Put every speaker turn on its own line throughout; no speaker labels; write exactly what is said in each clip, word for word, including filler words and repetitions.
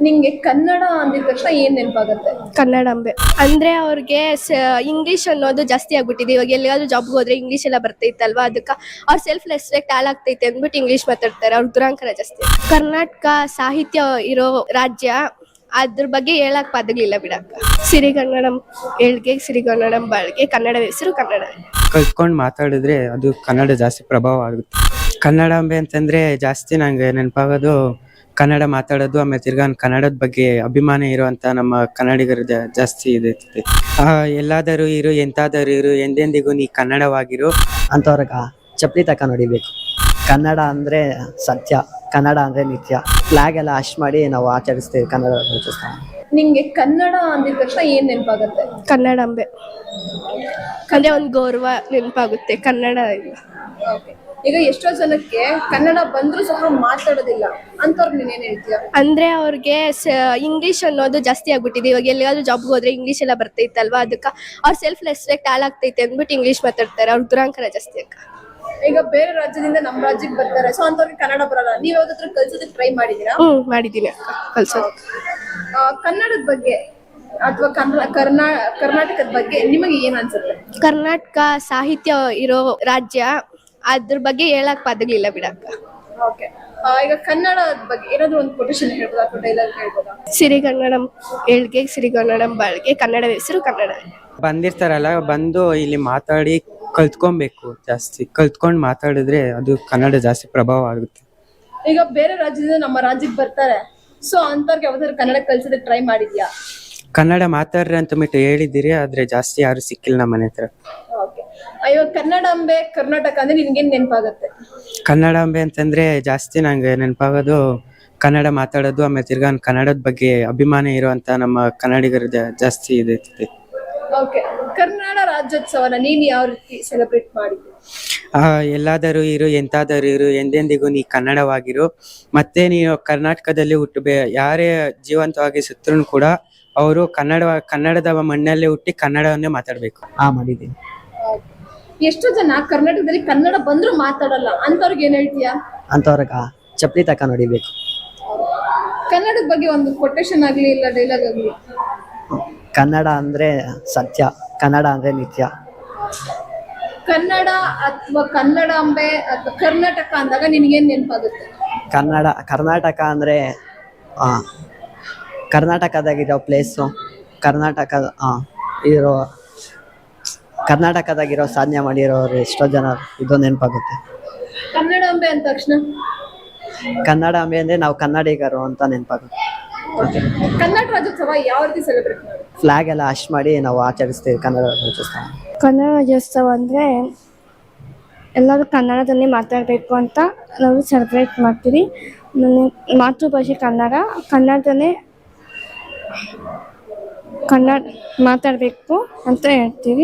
ನಿಂಗೆ ಕನ್ನಡ ಅಂದಿದ ತಕ್ಷಣ ಏನ್ ನೆನಪಾಗುತ್ತೆ?
ಕನ್ನಡಾಂಬೆ ಅಂದ್ರೆ ಅವ್ರಿಗೆ ಇಂಗ್ಲಿಷ್ ಅನ್ನೋದು ಜಾಸ್ತಿ ಆಗ್ಬಿಟ್ಟಿದೆ. ಇವಾಗ ಎಲ್ಲಿಗಾದ್ರೂ ಜಾಬ್ಗೆ ಹೋದ್ರೆ ಇಂಗ್ಲಿಷ್ ಎಲ್ಲ ಬರ್ತೈತಲ್ವಾ, ಅದಕ್ಕೆ ಅವ್ರ ಸೆಲ್ಫ್ ರೆಸ್ಪೆಕ್ಟ್ ಹಾಲ್ ಆಗ್ತೈತೆ ಅಂದ್ಬಿಟ್ಟು ಇಂಗ್ಲಿಷ್ ಮಾತಾಡ್ತಾರೆ. ಅವ್ರ ದುರಾಂಕರ ಜಾಸ್ತಿ. ಕರ್ನಾಟಕ ಸಾಹಿತ್ಯ ಇರೋ ರಾಜ್ಯ, ಅದ್ರ ಬಗ್ಗೆ ಹೇಳಕ್ ಪದಗಳಿಲ್ಲ ಬಿಡಕ್ಕ. ಸಿರಿಗನ್ನಡಂ ಏಳ್ಗೆ ಸಿರಿಗನ್ನಡಂ ಬಾಳ್ಗೆ, ಕನ್ನಡ ಹೆಸರು ಕನ್ನಡ.
ಕಲ್ತ್ಕೊಂಡು ಮಾತಾಡಿದ್ರೆ ಅದು ಕನ್ನಡ ಜಾಸ್ತಿ ಪ್ರಭಾವ ಆಗುತ್ತೆ. ಕನ್ನಡಾಂಬೆ ಅಂತಂದ್ರೆ ಜಾಸ್ತಿ ನಂಗೆ ನೆನಪಾಗೋದು ಕನ್ನಡ ಮಾತಾಡೋದು, ಆಮೇಲೆ ತಿರ್ಗಾ ಕನ್ನಡದ ಬಗ್ಗೆ ಅಭಿಮಾನ ಇರುವಂತ ನಮ್ಮ ಕನ್ನಡಿಗರು ಜಾಸ್ತಿ ಇದೆ. ಆ ಎಲ್ಲಾದರೂ ಇರು ಎಂತಾದರೂ ಇರು ಎಂದೆಂದಿಗೂ ನೀ ಕನ್ನಡವಾಗಿರು
ಅಂತವ್ರಗ ಚಪ್ಪಲಿ ತಕ ನೋಡಿಬೇಕು. ಕನ್ನಡ ಅಂದ್ರೆ ಸತ್ಯ, ಕನ್ನಡ ಅಂದ್ರೆ ನಿತ್ಯ. ಫ್ಲಾಗ್ ಎಲ್ಲ ಅಶ್ ಮಾಡಿ ನಾವು ಆಚರಿಸ್ತೇವೆ ಕನ್ನಡ ರಾಜ್ಯೋತ್ಸವ.
ನಿಂಗೆ ಕನ್ನಡ ಅಂದಿದ ತಕ್ಷಣ ಏನ್ ನೆನಪಾಗುತ್ತೆ?
ಕನ್ನಡಾಂಬೆ ಅಂದ್ರೆ ಒಂದು ಗೌರವ ನೆನಪಾಗುತ್ತೆ. ಕನ್ನಡ ಇಲ್ಲ.
Okay. ಈಗ ಎಷ್ಟೋ ಜನಕ್ಕೆ ಕನ್ನಡ ಬಂದ್ರೂ ಸಹ ಮಾತಾಡೋದಿಲ್ಲ, ಅಂತವ್ರಿಗೆ ನೀನ್ ಏನ್ ಹೇಳ್ತೀಯ?
ಅಂದ್ರೆ ಅವ್ರಿಗೆ ಇಂಗ್ಲಿಷ್ ಅನ್ನೋದು ಜಾಸ್ತಿ ಆಗ್ಬಿಟ್ಟಿದೆ. ಇವಾಗ ಎಲ್ಲಿಗಾದ್ರೂ ಜಾಬ್ಗೆ ಹೋದ್ರೆ ಇಂಗ್ಲಿಷ್ ಎಲ್ಲ ಬರ್ತೈತಲ್ವಾ, ಅದಕ್ಕೆ ಅವ್ರ ಸೆಲ್ಫ್ ರೆಸ್ಪೆಕ್ಟ್ ಹಾಲ್ ಆಗ್ತೈತೆ ಅಂದ್ಬಿಟ್ಟು ಇಂಗ್ಲಿಷ್ ಮಾತಾಡ್ತಾರೆ. ಅವ್ರ ದುರಾಂಕರ ಜಾಸ್ತಿ ಅಕ್ಕ.
ಈಗ ಬೇರೆ ರಾಜ್ಯದಿಂದ ನಮ್ಮ ರಾಜ್ಯಕ್ಕೆ ಬರ್ತಾರೆ, ಸೊ ಅಂತವ್ರಿಗೆ ಕನ್ನಡ ಬರಲ್ಲ. ನೀವ್ ಯಾವ್ದಾದ್ರು ಕಲ್ಸೋದಕ್ಕೆ ಟ್ರೈ ಮಾಡಿದೀರಾ?
ಹ್ಮ್ ಮಾಡಿದೀನಿ ಅಕ್ಕ, ಕಲ್ಸೋದು.
ಕನ್ನಡದ ಬಗ್ಗೆ ಅಥವಾ ಕರ್ನಾ ಕರ್ನಾಟಕದ ಬಗ್ಗೆ ನಿಮಗೆ ಏನ್ ಅನ್ಸುತ್ತೆ?
ಕರ್ನಾಟಕ ಸಾಹಿತ್ಯ ಇರೋ ರಾಜ್ಯ, ಅದ್ರ ಬಗ್ಗೆ ಹೇಳಕ್ ಪದಗಳಿಲ್ಲ ಬಿಡಕ್ಕ.
ಓಕೆ. ಈಗ ಕನ್ನಡದ ಬಗ್ಗೆ ಏನಾದ್ರು ಒಂದು ಕೊಟೇಶನ್ ಹೇಳ್ಬೋದಾ ಅಥವಾ ಡೈಲಾಗ್ ಹೇಳ್ಬೋದಾ?
ಸಿರಿಗನ್ನಡಂ ಏಳ್ಗೆ ಸಿರಿಗನ್ನಡಂ ಬಾಳ್ಗೆ, ಕನ್ನಡ ಹೆಸರು ಕನ್ನಡ.
ಬಂದಿರ್ತಾರಲ್ಲ, ಬಂದು ಇಲ್ಲಿ ಮಾತಾಡಿ ಕಲ್ತ್ಕೊಬೇಕು. ಜಾಸ್ತಿ ಕಲ್ತ್ಕೊಂಡು ಮಾತಾಡಿದ್ರೆ ಅದು ಕನ್ನಡ ಜಾಸ್ತಿ ಪ್ರಭಾವ ಆಗುತ್ತೆ.
ಈಗ ಬೇರೆ ರಾಜ್ಯದಿಂದ ನಮ್ಮ ರಾಜ್ಯಕ್ಕೆ ಬರ್ತಾರೆ, ಸೊ ಅಂತವ್ರಿಗೆ ಯಾವ್ದಾದ್ರು ಕನ್ನಡ ಕಲ್ಸೋದಕ್ಕೆ ಟ್ರೈ ಮಾಡಿದ್ಯಾ?
ಕನ್ನಡ ಮಾತಾಡ್ರಿ ಅಂತ ಬಿಟ್ಟು ಹೇಳಿದಿರಿ, ಆದ್ರೆ ಜಾಸ್ತಿ ಯಾರು ಸಿಕ್ಕಿಲ್ಲ ನಮ್ಮ ಮನೆ ಹತ್ರ.
ಓಕೆ. ಇವಾಗ ಕನ್ನಡಾಂಬೆ ಕರ್ನಾಟಕ ಅಂದ್ರೆ ನಿನ್ಗೇನ್ ನೆನಪಾಗುತ್ತೆ?
ಕನ್ನಡಾಂಬೆ ಅಂತಂದ್ರೆ ಜಾಸ್ತಿ ನಂಗೆ ನೆನಪಾಗೋದು ಕನ್ನಡ ಮಾತಾಡೋದು, ಆಮೇಲೆ ತಿರ್ಗಾ ಕನ್ನಡದ ಬಗ್ಗೆ ಅಭಿಮಾನ ಇರುವಂತ ನಮ್ಮ ಕನ್ನಡಿಗರು ಜಾಸ್ತಿ ಇದೆ.
ಓಕೆ. ಕನ್ನಡ ರಾಜ್ಯೋತ್ಸವನ ನೀನ್ ಯಾವ ರೀತಿ ಸೆಲೆಬ್ರೇಟ್ ಮಾಡಿದ್ದೆ?
ಆ ಎಲ್ಲಾದರೂ ಇರು ಎಂತಾದರೂ ಇರು ಎಂದೆಂದಿಗೂ ನೀ ಕನ್ನಡವಾಗಿರು. ಮತ್ತೆ ನೀವು ಕರ್ನಾಟಕದಲ್ಲಿ ಹುಟ್ಟಬೇ ಯಾರೇ ಜೀವಂತವಾಗಿ ಸತ್ರೂ ಕೂಡ ಅವರು ಕನ್ನಡ ಕನ್ನಡದ ಮಣ್ಣಲ್ಲೇ ಹುಟ್ಟಿ ಕನ್ನಡವನ್ನೇ ಮಾತಾಡ್ಬೇಕು.
ಹಾ ಮಾಡಿದ್ದೀನಿ.
ಎಷ್ಟೋ ಜನ ಕರ್ನಾಟಕದಲ್ಲಿ ಕನ್ನಡ ಬಂದ್ರು ಮಾತಾಡಲ್ಲ, ಅಂತವ್ರಿಗೆ ಏನ್ ಹೇಳ್ತೀಯಾ?
ಅಂತವ್ರಗ ಚಪ್ಪಲಿ ತಕ ನೋಡಿಬೇಕು.
ಕನ್ನಡದ ಬಗ್ಗೆ ಒಂದು ಕೊಟೇಶನ್ ಆಗ್ಲಿ ಇಲ್ಲ ಡೈಲಾಗ್ ಆಗ್ಲಿ.
ಕನ್ನಡ ಅಂದ್ರೆ ಸತ್ಯ, ಕನ್ನಡ ಅಂದ್ರೆ ನಿತ್ಯ.
ಕನ್ನಡ ಅಥವಾ ಕನ್ನಡಾಂಬೆ ಅಥವಾ ಕರ್ನಾಟಕ ಅಂದಾಗ ನಿನ್ಗೇನ್ ನೆನಪಾಗುತ್ತೆ?
ಕನ್ನಡ ಕರ್ನಾಟಕ ಅಂದ್ರೆ ಆ ಕರ್ನಾಟಕದಾಗಿರೋ ಪ್ಲೇಸು, ಕರ್ನಾಟಕ ಇರೋ ಕರ್ನಾಟಕದಾಗಿರೋ ಸಾಧನೆ ಮಾಡಿರೋರು ಎಷ್ಟೋ ಜನ ಇದು ನೆನಪಾಗುತ್ತೆ.
ಕನ್ನಡಾಂಬೆ ಅಂದ ತಕ್ಷಣ
ಕನ್ನಡಾಂಬೆ ಅಂದ್ರೆ ನಾವು ಕನ್ನಡಿಗರು ಅಂತ ನೆನಪಾಗುತ್ತೆ.
ಕನ್ನಡ ರಾಜ್ಯೋತ್ಸವ ಯಾವ ರೀತಿ ಸೆಲೆಬ್ರೇಟ್ ಮಾಡಿ?
ಫ್ಲಾಗ್ ಎಲ್ಲ ಅಶ್ ಮಾಡಿ ನಾವು ಆಚರಿಸ್ತೇವೆ ಕನ್ನಡ ರಾಜ್ಯೋತ್ಸವ.
ಕನ್ನಡ ರಾಜ್ಯೋತ್ಸವ ಅಂದರೆ ಎಲ್ಲರೂ ಕನ್ನಡದಲ್ಲೇ ಮಾತಾಡಬೇಕು ಅಂತ ನಾವು ಸೆಲೆಬ್ರೇಟ್ ಮಾಡ್ತೀವಿ. ನನ್ನ ಮಾತೃಭಾಷೆ ಕನ್ನಡ, ಕನ್ನಡದಲ್ಲೇ ಕನ್ನಡ ಮಾತಾಡಬೇಕು ಅಂತ ಹೇಳ್ತೀವಿ.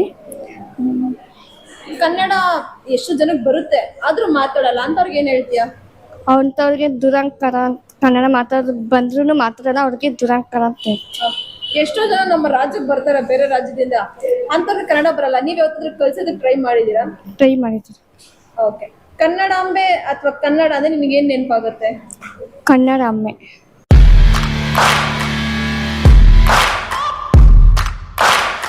ಕನ್ನಡ ಎಷ್ಟು ಜನಕ್ಕೆ ಬರುತ್ತೆ ಆದ್ರೂ ಮಾತಾಡಲ್ಲ, ಅಂತವ್ರಿಗೆ ಏನ್ ಹೇಳ್ತೀಯ?
ಅಂಥವ್ರಿಗೆ ದುರಂಕಾರ, ಕನ್ನಡ ಮಾತಾಡ ಬಂದ್ರೂ ಮಾತಾಡಲ್ಲ, ಅವ್ರಿಗೆ ದುರಂಕಾರ ಅಂತ ಹೇಳ್ತೀವಿ.
ಎಷ್ಟೋ ಜನ ನಮ್ಮ ರಾಜ್ಯಕ್ಕೆ ಬರ್ತಾರೆ ಬೇರೆ ರಾಜ್ಯದಿಂದ, ಅಂತವ್ರಿಗೆ ಕನ್ನಡ ಬರಲ್ಲ. ನೀವ್ ಯಾವತ್ತಾದ್ರೂ ಕಲ್ಸೋದಕ್ಕೆ ಟ್ರೈ ಮಾಡಿದೀರಾ?
ಟ್ರೈ ಮಾಡಿದ್ದೀವಿ.
ಓಕೆ. ಕನ್ನಡಾಂಬೆ ಅಥವಾ ಕನ್ನಡ ಅಂದ್ರೆ ನಿಮ್ಗೆ ಏನ್ ನೆನಪಾಗುತ್ತೆ?
ಕನ್ನಡಾಂಬೆ